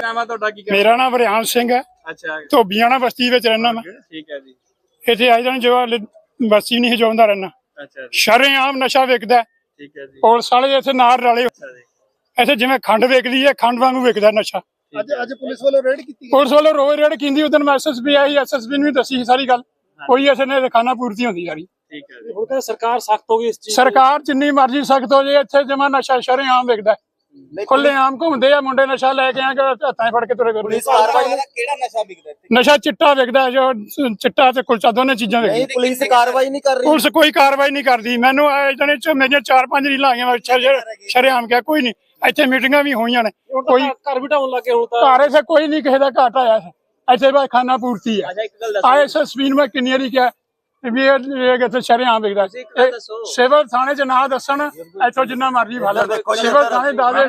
ਨਾਮ ਹੈ ਤੁਹਾਡਾ? ਕੀ ਮੇਰਾ ਨਾਮ ਵਰਿਆਨ ਸਿੰਘ ਹੈ। ਅੱਛਾ, ਧੋਬੀਆਣਾ ਬਸਤੀ ਵਿੱਚ ਰਹਿਣਾ ਮੈਂ। ਠੀਕ ਹੈ ਜੀ। ਇੱਥੇ ਆਈ ਜਾਣ ਜੋ ਬਸਤੀ ਨਹੀਂ ਹਜਾਉਂਦਾ ਰਹਿਣਾ। ਅੱਛਾ ਜੀ, ਸ਼ਰੇਆਮ ਨਸ਼ਾ ਵਿਕਦਾ। ਠੀਕ ਹੈ ਜੀ। ਪੁਲਿਸ ਵਾਲੇ ਇੱਥੇ ਨਾਲ ਰਲੇ। ਅੱਛਾ ਜੀ, ਇੱਥੇ ਜਿਵੇਂ ਖੰਡ ਵਿਕਦੀ ਹੈ, ਖੰਡ ਵਾਂਗੂ ਵਿਕਦਾ ਨਸ਼ਾ। ਅੱਜ ਪੁਲਿਸ ਵੱਲੋਂ ਰੇਡ ਕੀਤੀ? ਪੁਲਿਸ ਵੱਲੋਂ ਰੋਜ਼ ਰੇਡ ਕੀਤੀ। ਉਦੋਂ ਮੈਂ ਐਸਐਸਪੀ ਆਈ, ਐਸਐਸਪੀ ਨੂੰ ਵੀ ਦੱਸੀ ਸਾਰੀ ਗੱਲ। ਕੋਈ ਐਸੇ ਨੇ ਖਾਨਾ ਪੂਰਤੀ ਹੁੰਦੀ ਯਾਰੀ। ਠੀਕ ਹੈ ਜੀ। ਹੁਣ ਤਾਂ ਸਰਕਾਰ ਸਖਤ ਹੋ ਗਈ ਇਸ ਚੀਜ਼। ਸਰਕਾਰ ਜਿੰਨੀ ਮਰਜ਼ੀ ਸਖਤ ਹੋ ਜੇ, ਇੱਥੇ ਜਮਾ ਨਸ਼ਾ ਸ਼ਰੇਆਮ ਵਿਕਦਾ। ਖੁੱਲੇ ਆਮ ਘੁੰਮਦੇ ਆ ਮੁੰਡੇ, ਨਸ਼ਾ ਲੈ ਕੇ ਆ ਕੇ ਹੱਥਾਂ ਫੜ ਕੇ ਤੁਰੇ ਫਿਰਦੇ। ਕਿਹੜਾ ਨਸ਼ਾ ਵਿਕਦਾ ਇੱਥੇ? ਨਸ਼ਾ ਚਿੱਟਾ ਵਿਕਦਾ, ਜੋ ਚਿੱਟਾ ਤੇ ਕੁਲਚਾ ਦੋਨੇ ਚੀਜ਼ਾਂ ਵਿਕਦੀਆਂ। ਪੁਲਿਸ ਕਾਰਵਾਈ ਨਹੀਂ ਕਰ ਰਹੀ? ਪੁਲਿਸ ਕੋਈ ਕਾਰਵਾਈ ਨਹੀਂ ਕਰਦੀ। ਮੈਨੂੰ ਜਣੇ ਚ ਮੇਰੀਆਂ 4-5 ਰੀਲਾਂ ਆਈਆਂ, ਸ਼ਰੇਆਮ ਕਿਹਾ ਕੋਈ ਨਹੀਂ। ਇੱਥੇ ਮੀਟਿੰਗਾਂ ਵੀ ਹੋਈਆਂ ਨੇ, ਕੋਈ ਘਰ ਵੀ ਢਾਉਣ ਲੱਗੇ ਹੁਣ ਤਾਂ। ਘਰ ਇੱਥੇ ਕੋਈ ਨਹੀਂ ਕਿਸੇ ਦਾ ਘਾਟ ਆਇਆ। ਇੱਥੇ ਬਸ ਖਾਨਾ ਪੂਰਤੀ ਹੈ। ਐਸਐਸਪੀ ਨੂੰ ਮੈਂ ਕਿੰਨੀ ਵਾਰੀ ਕਿਹਾ ਵੀ ਇਹ ਇੱਥੇ ਸ਼ਰੇਆਮ ਵਿਕਦਾ। ਸਿਵਲ ਥਾਣੇ ਚ ਨਾ ਦੱਸਣ, ਇੱਥੋਂ ਜਿੰਨਾ ਮਰਜ਼ੀ ਭਾਲਾ ਸਿਵਲ ਥਾਣੇ ਦਾਦੇ।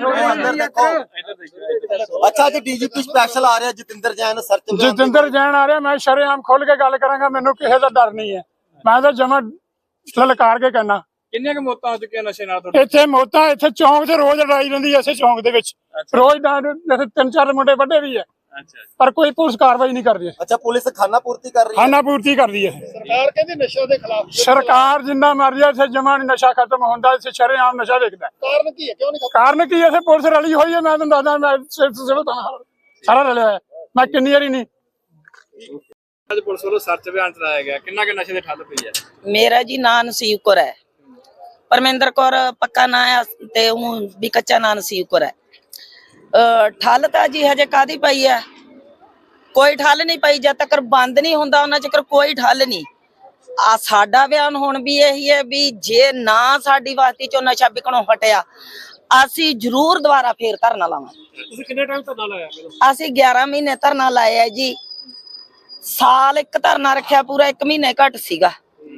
ਅੱਛਾ ਜੀ, ਡੀਜੀਪੀ ਸਪੈਸ਼ਲ ਆ ਰਿਹਾ ਜਤਿੰਦਰ ਜੈਨ, ਸਰਚ ਜਤਿੰਦਰ ਜੈਨ ਆ ਰਿਹਾ। ਮੈਂ ਸ਼ਰੇਆਮ ਖੁੱਲ ਕੇ ਗੱਲ ਕਰਾਂਗਾ, ਮੈਨੂੰ ਕਿਸੇ ਦਾ ਡਰ ਨਹੀਂ ਹੈ। ਮੈਂ ਤਾਂ ਜਮਾ ਲਲਕਾਰ ਕੇ ਕਹਿਣਾ। ਕਿੰਨੀਆਂ ਕੁ ਮੌਤਾਂ ਹੋ ਚੁੱਕੀਆਂ ਨਸ਼ੇ ਨਾਲ ਤੁਹਾਡੇ? ਇੱਥੇ ਮੌਤਾਂ, ਇੱਥੇ ਚੌਂਕ 'ਚ ਰੋਜ਼ ਲੜਾਈ ਰਹਿੰਦੀ ਹੈ। ਇਸੇ ਚੌਂਕ ਦੇ ਵਿੱਚ ਰੋਜ਼ 3-4 ਮੁੰਡੇ ਵੱਡੇ ਵੀ ਹੈ, ਪਰ ਕੋਈ ਪੁਲਿਸ ਕਾਰਵਾਈ ਨਹੀਂ ਕਰਦੀ। ਅੱਛਾ, ਪੁਲਿਸ ਖਾਨਾ ਪੂਰਤੀ ਕਰ ਰਹੀ ਹੈ? ਖਾਨਾ ਪੂਰਤੀ ਕਰਦੀ ਹੈ। ਸਰਕਾਰ ਕਹਿੰਦੀ ਨਸ਼ੇ ਦੇ ਖਿਲਾਫ। ਸਰਕਾਰ ਜਿੰਨਾ ਮਰਜ਼ੀ ਇੱਥੇ ਜਮਾ ਨੀ ਨਸ਼ਾ ਖਤਮ ਹੁੰਦਾ। ਇੱਥੇ ਸ਼ਰੇਆਮ ਨਸ਼ਾ ਵਿਕਦਾ। ਕਾਰਨ ਕੀ ਹੈ? ਕਿਉਂ ਨਹੀਂ? ਕਾਰਨ ਕੀ ਹੈ? ਇੱਥੇ ਪੁਲਿਸ ਰਲੀ ਹੋਈ ਹੈ। ਮੈਂ ਤੁਹਾਨੂੰ ਦੱਸਦਾ, ਮੈਂ ਸਾਰਾ ਰਲਿਆ ਹੋਇਆ। ਮੈਂ ਕਿੰਨੀ ਵਾਰੀ ਨਹੀਂ। ਅੱਜ ਪੁਲਿਸ ਵੱਲੋਂ ਸਰਚ ਅਭਿਆਨ ਚਲਾਇਆ ਗਿਆ, ਕਿੰਨਾ ਕਿ ਨਸ਼ੇ ਦੇ ਠੱਲ ਪਈ ਹੈ? ਮੇਰਾ ਜੀ ਨਾਂ ਨਸੀਬ ਕੌਰ ਹੈ। ਪਰਮਿੰਦਰ ਕੌਰ ਪੱਕਾ ਨਾਂ ਆ ਤੇ ਉਹ ਵੀ ਕੱਚਾ ਨਾਂ ਨਸੀਬ ਕੌਰ ਹੈ। ਠੱਲ ਤਾਂ ਜੀ ਹਜੇ ਕਾਦੀ ਪਈ ਹੈ? ਕੋਈ ਠੱਲ ਨਹੀਂ ਪਈ। ਜਦ ਤੱਕ ਬੰਦ ਨਹੀਂ ਹੁੰਦਾ ਉਹਨਾਂ ਚਿਰ ਕੋਈ ਠੱਲ ਨਹੀਂ। ਆ ਸਾਡਾ ਬਿਆਨ ਹੁਣ ਵੀ ਇਹੀ ਹੈ ਵੀ ਜੇ ਨਾ ਸਾਡੀ ਬਸਤੀ ਚੋਂ ਨਸ਼ਾ ਵਿਕਣੋਂ ਹਟਿਆ, ਅਸੀਂ ਜ਼ਰੂਰ ਦੁਬਾਰਾ ਫੇਰ ਧਰਨਾ ਲਾਵਾਂਗੇ। ਤੁਸੀਂ ਕਿੰਨੇ ਟਾਈਮ ਧਰਨਾ ਲਾਇਆ? ਅਸੀਂ 11 ਮਹੀਨੇ ਧਰਨਾ ਲਾਇਆ ਜੀ। ਸਾਲ ਇੱਕ ਧਰਨਾ ਰੱਖਿਆ, ਪੂਰਾ 1 ਮਹੀਨੇ ਘੱਟ ਸੀਗਾ।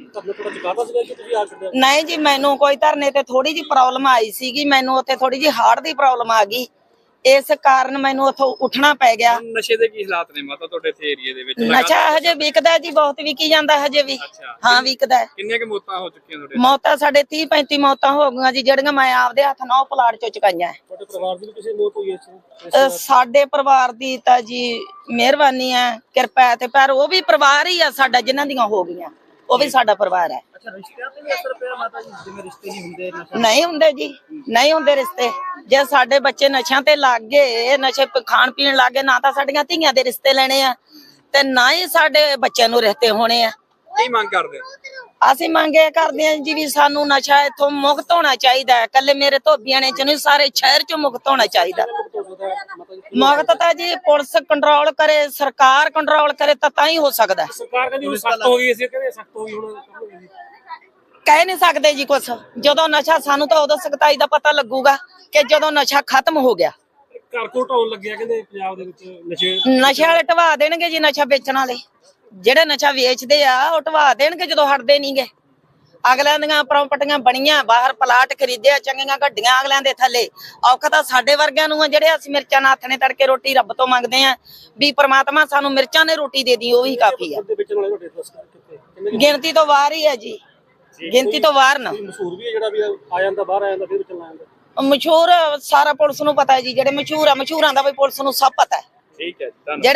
ਨਹੀਂ ਜੀ, ਮੈਨੂੰ ਕੋਈ ਧਰਨੇ ਤੇ ਥੋੜੀ ਜੀ ਪ੍ਰੋਬਲਮ ਆਈ ਸੀਗੀ। ਮੈਨੂੰ ਉੱਥੇ ਥੋੜੀ ਜੀ ਹਾਰਟ ਦੀ ਪ੍ਰੋਬਲਮ ਆ ਗਈ, ਇਸ ਕਾਰਨ ਮੈਨੂੰ ਉੱਥੋਂ ਉੱਠਣਾ ਪੈ ਗਿਆ। ਨਸ਼ੇ ਦੇ ਕੀ ਹਾਲਾਤ ਨੇ ਮਾਤਾ ਤੁਹਾਡੇ ਇੱਥੇ ਏਰੀਏ ਦੇ ਵਿੱਚ? ਨਸ਼ਾ ਹਜੇ ਵਿਕਦਾ ਜੀ, ਬਹੁਤ ਵਿਕੀ ਜਾਂਦਾ ਹਜੇ ਵੀ। ਹਾਂ, ਵਿਕਦਾ ਹੈ। ਕਿੰਨੀਆਂ ਕਿ ਮੌਤਾਂ ਹੋ ਚੁੱਕੀਆਂ ਤੁਹਾਡੇ? ਮੌਤਾਂ ਸਾਡੇ 30-35 ਮੌਤਾਂ ਹੋ ਗਈਆਂ ਜੀ, ਜਿਹੜੀਆਂ ਮੈਂ ਆਪਦੇ ਹੱਥ ਨਾਲ ਉਹ ਪਲਾਟ ਚੋਂ ਚੁਕਾਈਆਂ। ਤੁਹਾਡੇ ਪਰਿਵਾਰ ਦੀ ਕਿਸੇ ਮੌਤ ਹੋਈ ਹੈ? ਸਾਡੇ ਪਰਿਵਾਰ ਦੀ ਤਾਂ ਜੀ ਮਿਹਰਬਾਨੀ ਹੈ, ਕਿਰਪਾ ਹੈ। ਤੇ ਪਰ ਉਹ ਵੀ ਪਰਿਵਾਰ ਹੀ ਆ ਸਾਡਾ, ਜਿਨ੍ਹਾਂ ਦੀਆਂ ਹੋ ਗਈਆਂ ਉਹ ਵੀ ਸਾਡਾ ਪਰਿਵਾਰ ਹੈ। ਰਿਸ਼ਤਿਆਂ ਤੇ ਵੀ ਅਸਰ ਪਿਆ ਮਾਤਾ ਜੀ? ਜਿਵੇਂ ਰਿਸ਼ਤੇ ਨਹੀਂ ਹੁੰਦੇ? ਨਹੀਂ ਹੁੰਦੇ ਜੀ, ਨਹੀਂ ਹੁੰਦੇ ਰਿਸ਼ਤੇ। ਜੇ ਸਾਡੇ ਬੱਚੇ ਨਸ਼ਿਆਂ ਤੇ ਲੱਗ ਗਏ, ਨਸ਼ੇ ਖਾਣ ਪੀਣ ਲੱਗ ਗਏ, ਨਾ ਤਾਂ ਸਾਡੀਆਂ ਧੀਆਂ ਦੇ ਰਿਸ਼ਤੇ ਲੈਣੇ ਆ ਤੇ ਨਾ ਹੀ ਸਾਡੇ ਬੱਚਿਆਂ ਨੂੰ ਰਿਸ਼ਤੇ ਹੋਣੇ ਆ। ਕੀ ਮੰਗ ਕਰਦੇ? ਅਸੀਂ ਮੰਗੇ ਕਰਦੇ ਹਾਂ ਜੀ ਵੀ ਸਾਨੂੰ ਨਸ਼ਾ ਇੱਥੋਂ ਮੁਕਤ ਹੋਣਾ ਚਾਹੀਦਾ ਹੈ। ਕੱਲੇ ਮੇਰੇ ਧੋਬੀਆਣੇ ਚ ਨਹੀਂ, ਸਾਰੇ ਸ਼ਹਿਰ ਚ ਮੁਕਤ ਹੋਣਾ ਚਾਹੀਦਾ। ਮੁਕਤ ਤਾਂ ਜੀ ਪੁਲਿਸ ਕੰਟਰੋਲ ਕਰੇ, ਸਰਕਾਰ ਕੰਟਰੋਲ ਕਰੇ ਤਾਂ ਹੀ ਹੋ ਸਕਦਾ। ਸਰਕਾਰ ਕਹਿੰਦੀ ਹੁਣ ਸਖਤ ਹੋ ਗਈ, ਅਸੀਂ ਕਹਿੰਦੇ ਸਖਤ ਹੋ ਗਈ। ਹੁਣ ਕਹਿ ਨਹੀਂ ਸਕਦੇ ਜੀ ਕੁਛ। ਜਦੋਂ ਨਸ਼ਾ, ਸਾਨੂੰ ਤਾਂ ਉਦੋਂ ਸਖਤਾਈ ਦਾ ਪਤਾ ਲੱਗੂਗਾ ਕਿ ਜਦੋਂ ਨਸ਼ਾ ਖਤਮ ਹੋ ਗਿਆ। ਘਰ ਕੋਲ ਢਾਉਣ ਲੱਗਿਆ ਕਹਿੰਦੇ ਪੰਜਾਬ ਦੇ ਵਿੱਚ ਨਸ਼ੇ। ਨਸ਼ੇ ਵਾਲੇ ਢਵਾ ਦੇਣਗੇ ਜੀ, ਨਸ਼ਾ ਵੇਚਣ ਵਾਲੇ ਜਿਹੜੇ ਨਸ਼ਾ ਵੇਚਦੇ ਆ ਉਹ ਢਵਾ ਦੇਣਗੇ ਜਦੋਂ ਹਟਦੇ ਨਹੀਂਗੇ। ਅਗਲਿਆਂ ਦੀਆਂ ਪ੍ਰਾਪਰਟੀਆਂ ਬਣੀਆਂ, ਬਾਹਰ ਪਲਾਟ ਖਰੀਦਿਆ, ਚੰਗੀਆਂ ਗੱਡੀਆਂ ਅਗਲਿਆਂ ਦੇ ਥੱਲੇ। ਔਖਾ ਤਾਂ ਸਾਡੇ ਵਰਗਿਆਂ ਨੂੰ ਆ, ਜਿਹੜੇ ਅਸੀਂ ਮਿਰਚਾਂ ਨਾਲ ਹੱਥ ਨੇ ਤੜਕੇ ਰੋਟੀ ਰੱਬ ਤੋਂ ਮੰਗਦੇ ਆ ਵੀ ਪ੍ਰਮਾਤਮਾ ਸਾਨੂੰ ਮਿਰਚਾਂ ਨੇ ਰੋਟੀ ਦੇ ਦੀ, ਉਹ ਹੀ ਕਾਫੀ ਆ। ਗਿਣਤੀ ਤੋਂ ਬਾਹਰ ਹੀ ਹੈ ਜੀ, ਗਿਣਤੀ ਤੋਂ ਬਾਹਰ ਨਾ। ਮਸ਼ਹੂਰ ਵੀ ਹੈ ਜਿਹੜਾ ਵੀ ਆ ਜਾਂਦਾ, ਬਾਹਰ ਆ ਜਾਂਦਾ, ਫਿਰ ਚੱਲਣਾ ਜਾਂਦਾ। ਮਸ਼ਹੂਰ ਸਾਰਾ ਪੁਲਿਸ ਨੂੰ ਪਤਾ ਹੈ ਜੀ। ਜਿਹੜੇ ਮਸ਼ਹੂਰ ਆ, ਮਸ਼ਹੂਰਾਂ ਦਾ ਵੀ ਪੁਲਿਸ ਨੂੰ ਸਭ ਪਤਾ ਹੈ। ਠੀਕ ਹੈ।